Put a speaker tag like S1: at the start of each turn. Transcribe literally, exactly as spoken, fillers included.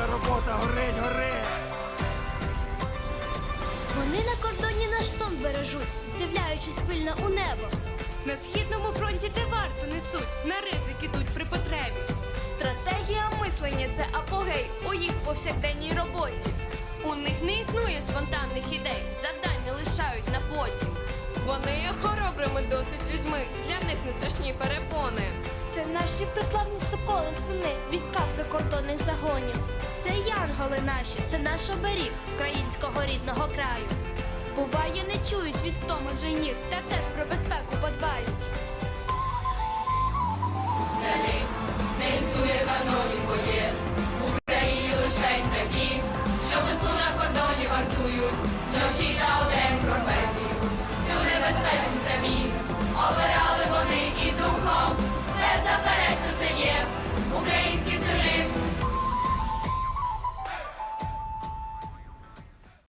S1: робота, горить, горить!
S2: Вони на кордоні наш сон бережуть, вдивляючись пильно у небо.
S3: На східному фронті де варту несуть, на ризик ідуть при потребі.
S4: Стратегія мислення – це апогей у їх повсякденній роботі. У них не існує спонтанних ідей, завдань не лишають на потім.
S3: Вони є хоробрими досить людьми, для них не страшні перепони.
S2: Це наші приславні соколи, сини, війська прикордонних загонів. Це янголи наші, це наш оберіг українського рідного краю. Буває, не чують від втоми вже ніг, та все ж про безпеку подбають.
S5: Для них не існує канонів воєн. В Україні лишень такі, що веслу на кордоні вартують, вночі та удень професії.